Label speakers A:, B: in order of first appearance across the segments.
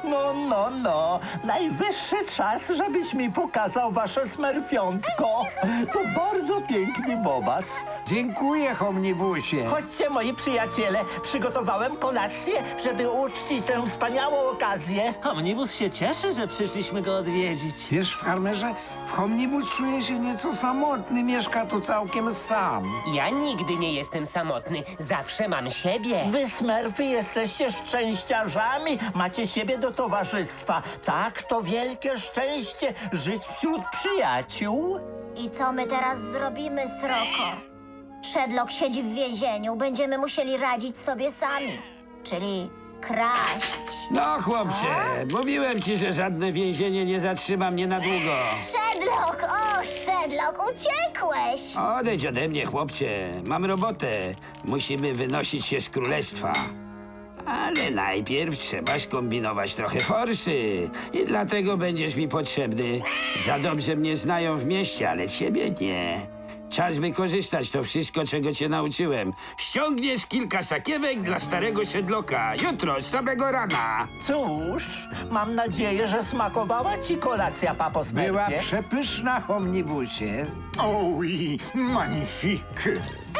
A: No. Najwyższy czas, żebyś mi pokazał wasze smerfiątko. To bardzo piękny bobas.
B: Dziękuję, Homnibusie.
A: Chodźcie, moi przyjaciele. Przygotowałem kolację, żeby uczcić tę wspaniałą okazję.
C: Omnibus się cieszy, że przyszliśmy go odwiedzić.
B: Wiesz, farmerze, Homnibus czuje się nieco samotny, mieszka tu całkiem sam.
D: Ja nigdy nie jestem samotny, zawsze mam siebie.
A: Wy, smerfy, jesteście szczęściarzami. Macie siebie do towarzystwa. Tak, to wielkie szczęście żyć wśród przyjaciół.
E: I co my teraz zrobimy, Sroko? Shedlock siedzi w więzieniu, będziemy musieli radzić sobie sami. Czyli kraść.
F: No, chłopcze, mówiłem ci, że żadne więzienie nie zatrzyma mnie na długo.
E: Shedlock! O, Shedlock, uciekłeś!
F: Odejdź ode mnie, chłopcze. Mam robotę. Musimy wynosić się z królestwa. Ale najpierw trzeba skombinować trochę forsy. I dlatego będziesz mi potrzebny. Za dobrze mnie znają w mieście, ale ciebie nie. Czas wykorzystać to wszystko, czego cię nauczyłem. Ściągniesz kilka sakiewek dla starego Shedlocka. Jutro, z samego rana.
A: Cóż, mam nadzieję, że smakowała ci kolacja, papo Smerfie.
B: Była przepyszna, Homnibusie.
G: Oui, magnifique.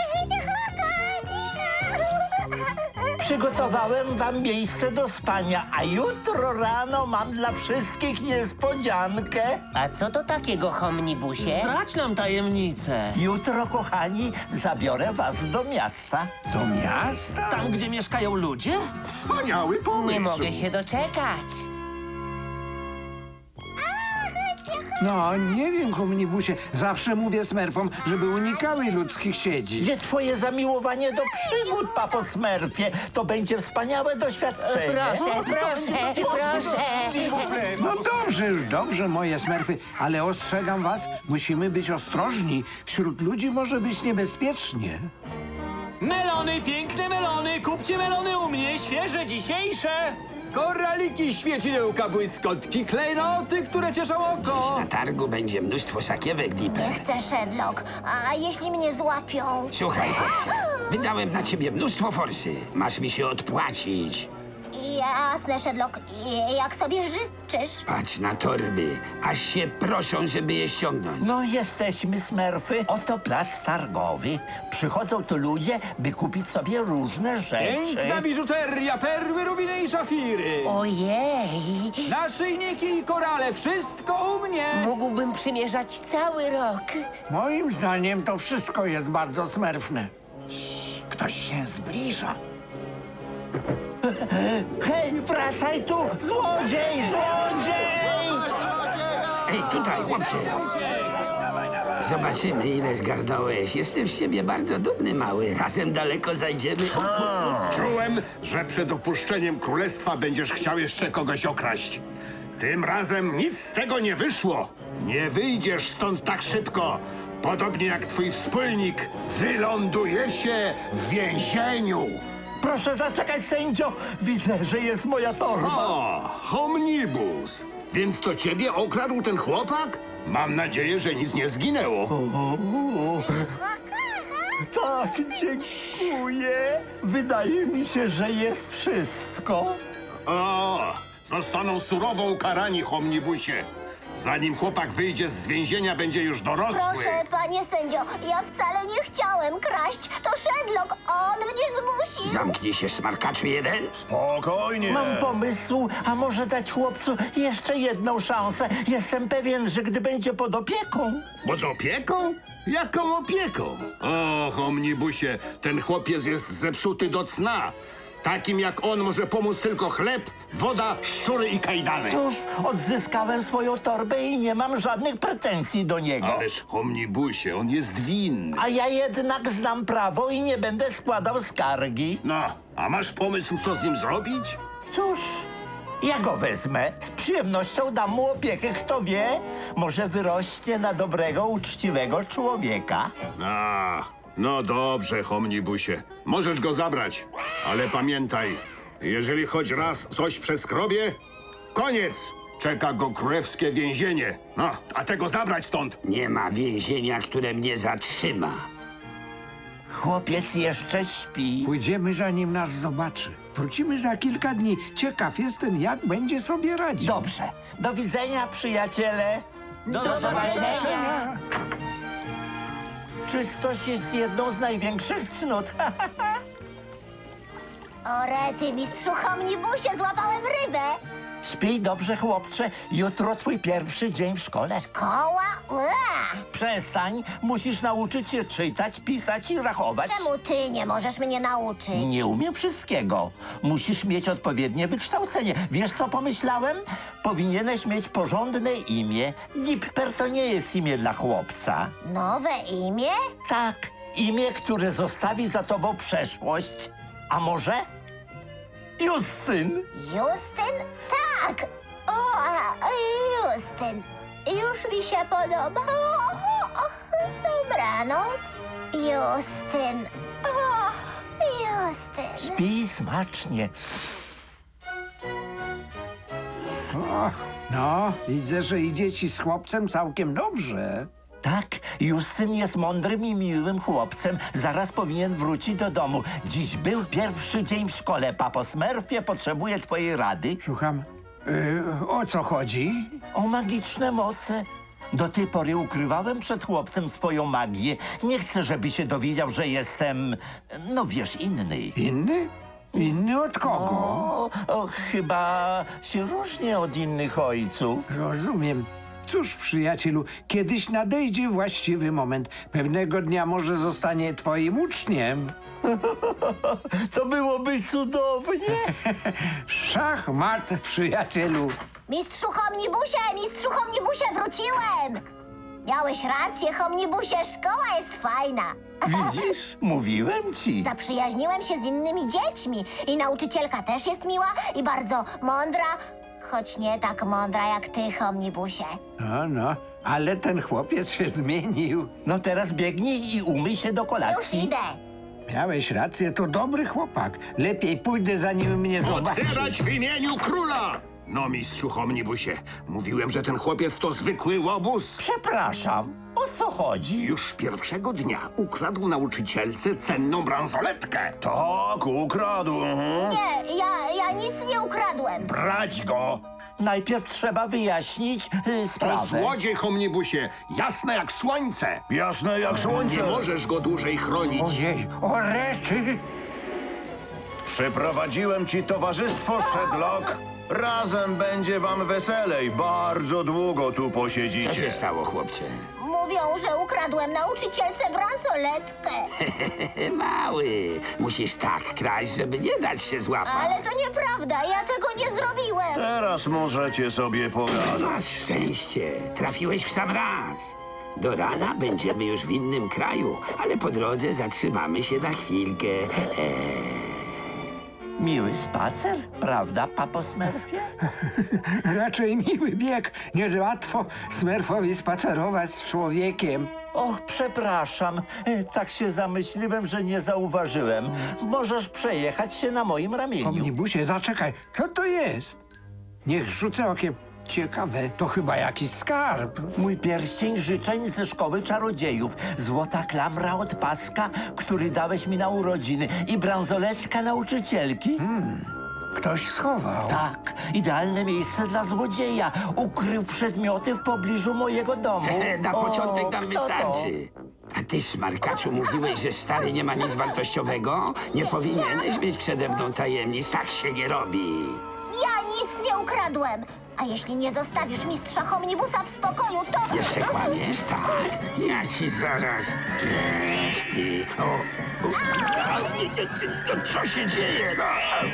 A: Przygotowałem wam miejsce do spania, a jutro rano mam dla wszystkich niespodziankę.
D: A co to takiego, Homnibusie?
C: Zdradź nam tajemnicę.
A: Jutro, kochani, zabiorę was do miasta.
B: Do miasta?
C: Tam, gdzie mieszkają ludzie?
G: Wspaniały pomysł.
D: Nie mogę się doczekać.
B: No, nie wiem, Homnibusie. Zawsze mówię smerfom, żeby unikały ludzkich siedzi.
A: Gdzie twoje zamiłowanie do przygód, papo Smerfie? To będzie wspaniałe doświadczenie.
D: Proszę.
B: No dobrze, już dobrze, moje smerfy, ale ostrzegam was, musimy być ostrożni. Wśród ludzi może być niebezpiecznie.
C: Melony, piękne melony! Kupcie melony u mnie, świeże, dzisiejsze!
H: Koraliki, świecidełka, błyskotki, klejnoty, które cieszą oko.
F: Na targu będzie mnóstwo sakiewek, Dipper.
E: Nie chcę, Shedlock. A jeśli mnie złapią?
F: Słuchaj, chłopcze, wydałem na ciebie mnóstwo forsy. Masz mi się odpłacić.
E: Jasne, Shedlock. Jak sobie życzysz?
F: Patrz na torby, aż się proszą, żeby je ściągnąć.
A: No, jesteśmy smerfy. Oto plac targowy. Przychodzą tu ludzie, by kupić sobie różne rzeczy.
H: Piękna biżuteria, perły, rubiny i szafiry.
D: Ojej,
H: Naszyjniki i korale, wszystko u mnie.
D: mógłbym przymierzać cały rok.
B: Moim zdaniem to wszystko jest bardzo smerfne.
G: Ktoś się zbliża.
A: Hej, wracaj tu! Złodziej!
F: Ej, tutaj, chłopcze. Zobaczymy, ile zgarnąłeś. Jestem z ciebie bardzo dumny, mały. Razem daleko zajdziemy.
G: Czułem, że przed opuszczeniem królestwa będziesz chciał jeszcze kogoś okraść. Tym razem nic z tego nie wyszło. Nie wyjdziesz stąd tak szybko. Podobnie jak twój wspólnik, wylądujecie w więzieniu.
A: Proszę zaczekać, sędzio! Widzę, że jest moja torba.
G: O, Homnibus. Więc to ciebie okradł ten chłopak? Mam nadzieję, że nic nie zginęło.
A: Tak, dziękuję. Wydaje mi się, że jest wszystko.
G: O, zostaną surowo ukarani, Homnibusie. Zanim chłopak wyjdzie z więzienia, będzie już dorosły.
E: Proszę, panie sędzio, ja wcale nie chciałem kraść. To Shedlock, on mnie zmusił.
F: Zamknij się, smarkaczu jeden.
G: Spokojnie.
A: Mam pomysł, a może dać chłopcu jeszcze jedną szansę. Jestem pewien, że gdy będzie pod opieką...
G: Pod opieką? Jaką opieką? O, Homnibusie, ten chłopiec jest zepsuty do cna. Takim jak on może pomóc tylko chleb, woda, szczury i kajdany.
A: Cóż, odzyskałem swoją torbę i nie mam żadnych pretensji do niego.
G: Ależ, Homnibusie, on jest winny.
A: A ja jednak znam prawo i nie będę składał skargi.
G: No, a masz pomysł, co z nim zrobić?
A: Cóż, ja go wezmę. Z przyjemnością dam mu opiekę, kto wie. Może wyrośnie na dobrego, uczciwego człowieka.
G: A, no dobrze, Homnibusie. Możesz go zabrać, ale pamiętaj, jeżeli choć raz coś przeskrobie, koniec! Czeka go królewskie więzienie. No, a tego zabrać stąd.
F: Nie ma więzienia, które mnie zatrzyma.
A: Chłopiec jeszcze śpi.
B: Pójdziemy, zanim nas zobaczy. Wrócimy za kilka dni. Ciekaw jestem, jak będzie sobie radził.
A: Dobrze. Do widzenia, przyjaciele.
C: Do zobaczenia!
A: Czystość jest jedną z największych cnót.
E: O rety, mistrzu Homnibusie, złapałem rybę.
A: Śpij dobrze, chłopcze. Jutro twój pierwszy dzień w szkole.
E: Koła? Ua!
A: Przestań. Musisz nauczyć się czytać, pisać i rachować.
E: Czemu ty nie możesz mnie nauczyć?
A: Nie umiem wszystkiego. Musisz mieć odpowiednie wykształcenie. Wiesz, co pomyślałem? Powinieneś mieć porządne imię. Dipper to nie jest imię dla chłopca.
E: Nowe imię?
A: Tak, imię, które zostawi za tobą przeszłość. A może? Justyn.
E: Justyn? Tak! Justyn. Już mi się podoba. Dobranoc. Justyn. Justyn.
A: Śpij smacznie.
B: Och, no, widzę, że idzie ci z chłopcem całkiem dobrze.
A: Tak, Justyn jest mądrym i miłym chłopcem. Zaraz powinien wrócić do domu. Dziś był pierwszy dzień w szkole. Papo Smurfie potrzebuje twojej rady.
B: Słucham, o co chodzi?
A: O magiczne moce. Do tej pory ukrywałem przed chłopcem swoją magię. Nie chcę, żeby się dowiedział, że jestem, no wiesz, inny.
B: Inny? Inny od kogo?
A: Chyba się różnię od innych ojców.
B: Rozumiem. Cóż, przyjacielu, kiedyś nadejdzie właściwy moment. Pewnego dnia może zostanie twoim uczniem.
A: To byłoby cudownie.
B: Szachmat, przyjacielu.
E: Mistrzu Homnibusie, wróciłem! Miałeś rację, Homnibusie, szkoła jest fajna.
A: Widzisz? Mówiłem ci.
E: Zaprzyjaźniłem się z innymi dziećmi i nauczycielka też jest miła i bardzo mądra, choć nie tak mądra jak ty, Homnibusie.
B: No, ale ten chłopiec się zmienił.
A: No teraz biegnij i umyj się do
E: Już
A: kolacji.
E: idę.
B: Miałeś rację, to dobry chłopak. Lepiej pójdę, zanim mnie zobaczy.
G: Otwierać w imieniu króla! No, mistrzu Homnibusie, mówiłem, że ten chłopiec to zwykły łobuz.
A: Przepraszam, o co chodzi?
G: Już pierwszego dnia ukradł nauczycielce cenną bransoletkę.
I: Tak, ukradł.
E: Nie, ja nic nie ukradłem.
I: Brać go!
A: Najpierw trzeba wyjaśnić
G: To
A: sprawę.
G: złodziej, Homnibusie, jasne jak słońce.
I: Jasne jak słońce.
G: Nie możesz go dłużej chronić.
B: Ojej, o rety!
I: Przyprowadziłem ci towarzystwo, Shedlock. Razem będzie wam weselej. Bardzo długo tu
F: Co się
I: posiedzicie.
F: stało, chłopcze?
E: Mówią, że ukradłem nauczycielce bransoletkę.
F: Mały, musisz tak kraść, żeby nie dać się złapać.
E: Ale to nieprawda, ja tego nie zrobiłem.
I: Teraz możecie sobie pogadać.
F: Masz szczęście, trafiłeś w sam raz. Do rana będziemy już w innym kraju, ale po drodze zatrzymamy się na chwilkę.
A: Miły spacer, prawda, papo Smurfie?
B: Raczej miły bieg. Niełatwo Smurfowi spacerować z człowiekiem.
A: Och, przepraszam. Tak się zamyśliłem, że nie zauważyłem. Możesz przejechać się na moim ramieniu.
B: Omnibusie, zaczekaj, co to jest? Niech rzucę okiem. Ciekawe, to chyba jakiś skarb.
A: Mój pierścień życzeń ze szkoły czarodziejów. Złota klamra od paska, który dałeś mi na urodziny. I bransoletka nauczycielki.
B: Ktoś schował.
A: Tak, idealne miejsce dla złodzieja. Ukrył przedmioty w pobliżu mojego domu.
F: Na początek nam
A: kto to?
F: wystarczy. A ty, smarkaczu, mówiłeś, że stary nie ma nic wartościowego? Nie powinieneś mieć przede mną tajemnic, tak się nie robi.
E: Ja nic nie ukradłem. A jeśli nie zostawisz mistrza Homnibusa w spokoju, to...
F: Jeszcze kłamiesz, tak? Ja ci zaraz... Ech, ty... Co się dzieje? No?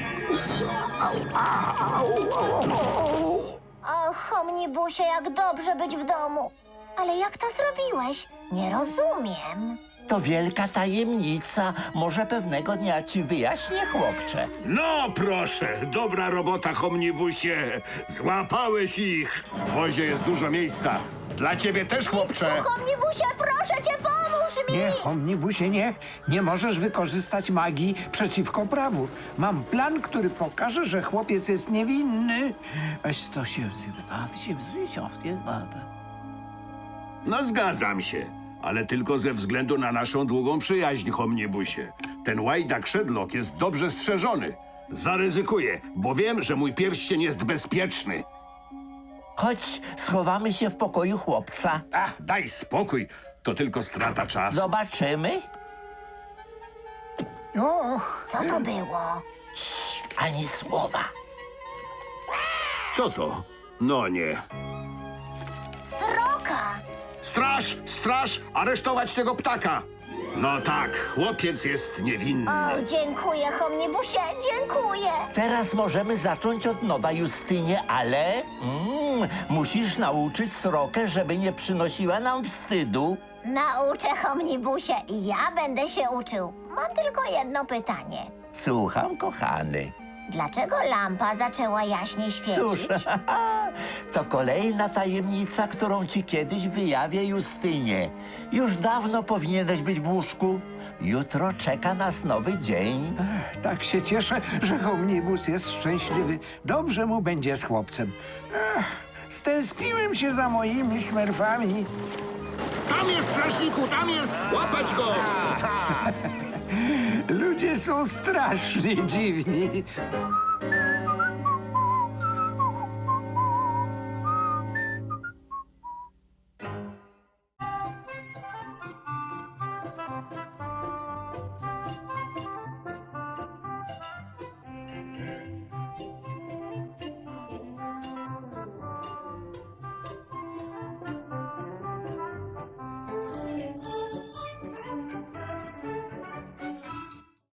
E: O, Homnibusie, jak dobrze być w domu. Ale jak to zrobiłeś? Nie rozumiem.
A: To wielka tajemnica. Może pewnego dnia ci wyjaśnię, chłopcze.
G: No proszę, dobra robota, Homnibusie. Złapałeś ich. W wozie jest dużo miejsca. Dla ciebie też, chłopcze.
E: Mistrzu Homnibusie, proszę cię, pomóż mi!
B: Nie, Omnibusie, nie. Nie możesz wykorzystać magii przeciwko prawu. Mam plan, który pokaże, że chłopiec jest niewinny.
G: No zgadzam się. ale tylko ze względu na naszą długą przyjaźń, Homnibusie. Ten łajdak Szedlok jest dobrze strzeżony. Zaryzykuję, bo wiem, że mój pierścień jest bezpieczny.
A: Chodź, schowamy się w pokoju chłopca.
G: Ach, daj spokój, to tylko strata czasu.
A: Zobaczymy.
E: Co to było?
A: Ani słowa.
G: Co to? No nie.
E: Sroka!
G: Straż, straż, aresztować tego ptaka. No tak, chłopiec jest niewinny.
E: O, dziękuję, Homnibusie, dziękuję.
A: Teraz możemy zacząć od nowa, Justynie, ale musisz nauczyć srokę, żeby nie przynosiła nam wstydu.
E: Nauczę, Homnibusie, i ja będę się uczył. Mam tylko jedno pytanie.
A: Słucham, kochany.
E: Dlaczego lampa zaczęła jaśniej świecić?
A: Cóż, to kolejna tajemnica, którą ci kiedyś wyjawię, Justynie. Już dawno powinieneś być w łóżku. Jutro czeka nas nowy dzień.
B: Tak się cieszę, że Homnibus jest szczęśliwy. Dobrze mu będzie z chłopcem. Stęskniłem się za moimi smerfami.
G: Tam jest, strażniku, tam jest! Łapać go!
B: Ludzie są strasznie dziwni.